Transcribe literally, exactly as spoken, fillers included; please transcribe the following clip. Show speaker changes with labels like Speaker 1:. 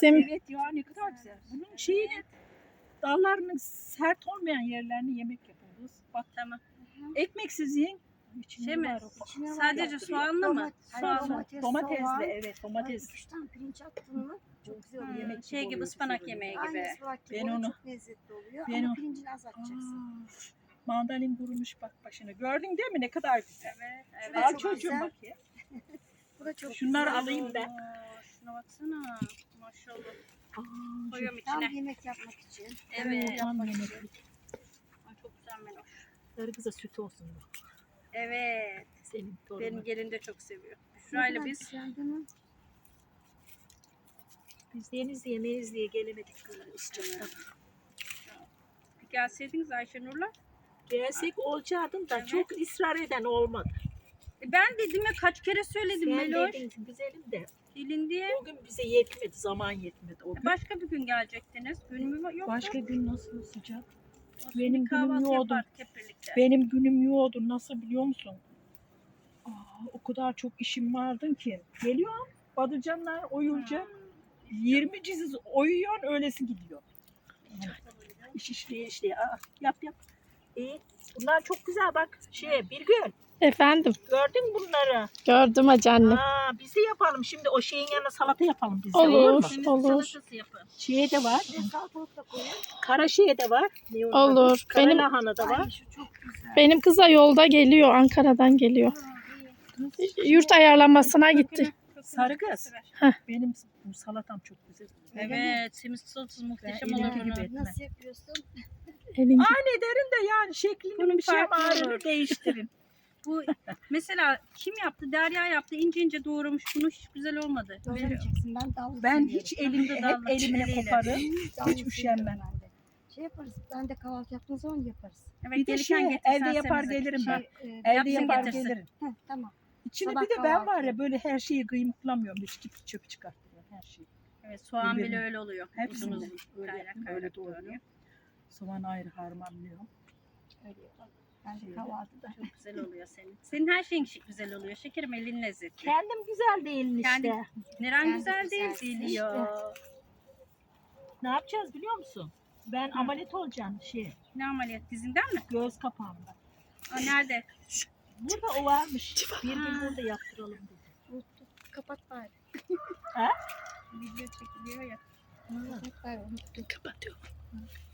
Speaker 1: Sem
Speaker 2: Evet ya, ne kadar güzel. Bunun şeyini, dallarının sert olmayan yerlerini yemek yapıyoruz. Bak
Speaker 3: Tamam.
Speaker 2: ekmeksiz yiyin. İçinde
Speaker 3: Şey mi?
Speaker 2: var o.
Speaker 4: İçine var
Speaker 3: Sadece
Speaker 2: yaptırıyor.
Speaker 3: soğanlı mı?
Speaker 4: Domat- hayır,
Speaker 3: Soğanlı.
Speaker 4: domates,
Speaker 2: Domatesli,
Speaker 4: soğan,
Speaker 2: evet domates.
Speaker 4: iki üç tane pirinç attın mı çok güzel oluyor.
Speaker 3: Hmm,
Speaker 2: yemek gibi
Speaker 3: şey gibi
Speaker 2: oluyor,
Speaker 3: ıspanak
Speaker 2: güzel oluyor.
Speaker 3: yemeği gibi.
Speaker 4: Aynı ıspanak gibi
Speaker 2: Ben
Speaker 4: oluyor,
Speaker 2: onu-
Speaker 4: çok lezzetli oluyor
Speaker 2: ben
Speaker 4: ama
Speaker 2: o-
Speaker 4: pirincini az atacaksın.
Speaker 2: Aa, mandalin kurumuş bak başına. Gördün değil mi ne kadar güzel.
Speaker 3: Evet,
Speaker 4: Şu
Speaker 3: evet.
Speaker 4: da
Speaker 2: Al
Speaker 4: çok
Speaker 2: çocuğum
Speaker 4: güzel.
Speaker 2: bak ya.
Speaker 4: Bu da çok
Speaker 2: Şunları
Speaker 4: güzel.
Speaker 2: alayım ben.
Speaker 3: Oo, şuna baksana. Maşallah.
Speaker 2: Aa,
Speaker 3: Koyuyorum
Speaker 4: Tam
Speaker 3: içine.
Speaker 4: yemek yapmak için.
Speaker 3: Evet.
Speaker 2: Tam
Speaker 4: yapmak
Speaker 2: yemek.
Speaker 4: için.
Speaker 3: Ay, çok güzel Meloş.
Speaker 2: Sarı kıza süt olsun bu.
Speaker 3: Evet.
Speaker 2: Senin torunun.
Speaker 3: Benim gelin de çok seviyor.
Speaker 4: Ne
Speaker 3: Şurayla
Speaker 4: kadar
Speaker 3: biz
Speaker 4: güzel değil mi?
Speaker 2: Biz deniz yemeyiz diye gelemedik böyle ıscaktan.
Speaker 3: bir gelseydiniz Ayşenur'la.
Speaker 2: Gelsek olacaktım da
Speaker 3: Evet.
Speaker 2: çok ısrar eden olmadı.
Speaker 3: E ben dedim ya kaç kere söyledim
Speaker 2: Sen
Speaker 3: Meloş.
Speaker 2: dedin ki güzelim de
Speaker 3: Gelin diye.
Speaker 2: o gün bize yetmedi, zaman yetmedi o gün.
Speaker 3: Başka bir gün gelecektiniz. Günümü yok.
Speaker 2: Başka gün nasıl sıcak?
Speaker 3: Olsun,
Speaker 2: benim
Speaker 3: bir
Speaker 2: günüm
Speaker 3: kahvaltı
Speaker 2: yoğdu.
Speaker 3: yapardık hep birlikte.
Speaker 2: Benim günüm yoğdu, nasıl biliyor musun? Aa, o kadar çok işim vardı ki. Geliyorum, Badıcanlar oyulacak.
Speaker 3: Hmm.
Speaker 2: yirmi ciziz oyuyor, öylesi gidiyor. İş işliye işliye. Aa, yap yap. İyi. Bunlar çok güzel bak. Şey, bir gün
Speaker 1: efendim
Speaker 2: gördün mü bunları?
Speaker 1: gördüm hacı anne.
Speaker 2: Aa, biz de yapalım. Şimdi o şeyin yanına salata yapalım biz de.
Speaker 1: Olur.
Speaker 2: mu?
Speaker 3: Şimdi
Speaker 1: Olur.
Speaker 3: salatası yapın.
Speaker 2: Şeye de var.
Speaker 4: Bir de salatalık da koyun.
Speaker 2: Kara şeye de var. Ne onun
Speaker 1: Olur.
Speaker 2: adı? Kara
Speaker 1: Benim-
Speaker 2: lahana da
Speaker 4: Ay
Speaker 2: var.
Speaker 4: şu çok güzel.
Speaker 1: Benim kıza yolda geliyor. Ankara'dan geliyor.
Speaker 4: Ha, iyi.
Speaker 1: Yurt ayarlamasına gitti.
Speaker 2: Sarı kız.
Speaker 1: Heh.
Speaker 2: Benim bu salatam çok güzel.
Speaker 3: Evet, semiz salatası muhteşem
Speaker 2: Ben
Speaker 3: olur
Speaker 2: elimki gibi
Speaker 3: bunun.
Speaker 2: etmem.
Speaker 4: Nasıl yapıyorsun?
Speaker 1: Elin
Speaker 2: Aynı ederim de yani şeklini
Speaker 3: Bunun
Speaker 2: bir şey
Speaker 3: farkı
Speaker 2: ağrını
Speaker 3: olur.
Speaker 2: değiştirin.
Speaker 3: Bu mesela kim yaptı? Derya yaptı. İnce ince doğramış. Bunu hiç güzel olmadı. Böyle-
Speaker 4: Doğramayacaksın. Ben dallı
Speaker 2: Ben
Speaker 4: seviyorum.
Speaker 2: hiç elimde hep
Speaker 3: Dallı,
Speaker 2: elimle
Speaker 3: eliyle.
Speaker 2: koparım.
Speaker 4: Dallı
Speaker 2: Hiç üşenmem.
Speaker 4: seviyorum ben de. Şey yaparız. Ben de kahvaltı yaptığım zaman yaparız.
Speaker 3: Evet,
Speaker 2: Bir de
Speaker 3: gelirken
Speaker 2: şey
Speaker 3: getirsen
Speaker 2: elde yapar
Speaker 3: semizi.
Speaker 2: gelirim ben.
Speaker 4: Şey, e,
Speaker 2: Elde
Speaker 3: yapsın
Speaker 2: yapar
Speaker 3: getirsin.
Speaker 2: gelirim.
Speaker 4: heh, tamam.
Speaker 2: İçine
Speaker 4: Sabah
Speaker 2: bir de ben var
Speaker 4: kahvaltı.
Speaker 2: ya böyle her şeyi kıymıklamıyorum. Hiç gibi çöp çıkartmıyorum her şeyi.
Speaker 3: Evet, soğan bile
Speaker 2: Birbirine.
Speaker 3: öyle oluyor. Uzun
Speaker 2: Hepsini
Speaker 3: uzun.
Speaker 2: öyle,
Speaker 3: Kaynak
Speaker 2: yapıyorum,
Speaker 3: kaynak
Speaker 2: öyle
Speaker 3: doğranıyor.
Speaker 2: doğruyorum. Soğan ayrı harmanlıyorum.
Speaker 4: Öyle yapalım. Ben de
Speaker 2: Şeyde.
Speaker 4: kahvaltıda.
Speaker 3: Çok güzel oluyor senin. Senin her şeyin şi- güzel oluyor. Şekerim elin lezzetli.
Speaker 2: Kendim güzel değilim işte.
Speaker 3: Kendi- Neren
Speaker 4: Kendi
Speaker 3: güzel değil
Speaker 4: güzelsin
Speaker 3: biliyor.
Speaker 2: Ne yapacağız biliyor musun? Ben ameliyat olacağım şey,
Speaker 3: Ne ameliyat dizinden mi?
Speaker 2: göz kapağımda.
Speaker 3: Aa, nerede?
Speaker 2: Burada o varmış. Bir gün burada yaptıralım dedi.
Speaker 4: Unuttum. Kapat bari.
Speaker 2: Ha?
Speaker 3: Video çekiliyor ya.
Speaker 2: Ha,
Speaker 4: Kapat bari unuttum.
Speaker 2: kapatıyorum.